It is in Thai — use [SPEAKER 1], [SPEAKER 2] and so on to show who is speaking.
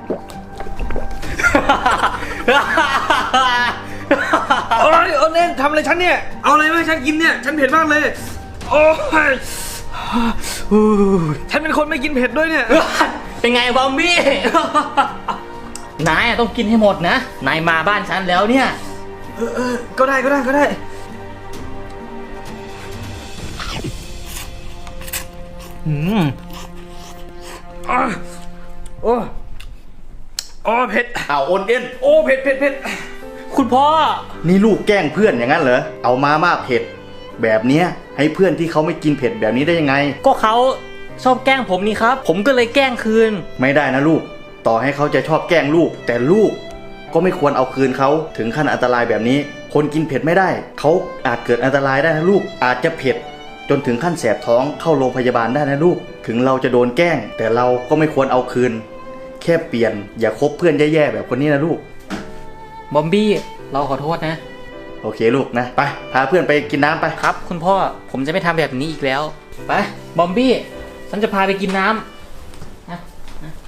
[SPEAKER 1] โอ้ยโอเน่นทำอะไรฉันเนี่ยเอาอะไรมาให้ฉันกินเนี่ยฉันเผ็ดมากเลยโอ้ยฉันเป็นคนไม่กินเผ็ดด้วยเนี่ย
[SPEAKER 2] เป็นไงบอมบี้ นายต้องกินให้หมดนะนายมาบ้านฉันแล้วเนี่ย
[SPEAKER 1] ก็ได้โอ้เผ็ด
[SPEAKER 3] เอาโอนเอ็น
[SPEAKER 1] โอ้เผ็ด
[SPEAKER 2] คุณพ่อ
[SPEAKER 3] นี่ลูกแกล้งเพื่อนอย่างนั้นเหรอเอามาม่าเผ็ดแบบเนี้ยให้เพื่อนที่เขาไม่กินเผ็ดแบบนี้ได้ยังไง
[SPEAKER 2] ก็เขาชอบแกล้งผมนี่ครับผมก็เลยแกล้งคืน
[SPEAKER 3] ไม่ได้นะลูกต่อให้เขาจะชอบแกล้งลูกแต่ลูกก็ไม่ควรเอาคืนเขาถึงขั้นอันตรายแบบนี้คนกินเผ็ดไม่ได้เขาอาจเกิดอันตรายได้นะลูกอาจจะเผ็ดจนถึงขั้นแสบท้องเข้าโรงพยาบาลได้นะลูกถึงเราจะโดนแกล้งแต่เราก็ไม่ควรเอาคืนแค่เปลี่ยนอย่าคบเพื่อนแย่ๆแบบคนนี้นะลูก
[SPEAKER 2] บอมบี้เราขอโทษนะ
[SPEAKER 3] โอเคลูกนะไปพาเพื่อนไปกินน้ำไป
[SPEAKER 2] ครับคุณพ่อผมจะไม่ทำแบบนี้อีกแล้วไปบอมบี้ฉันจะพาไปกินน้ำ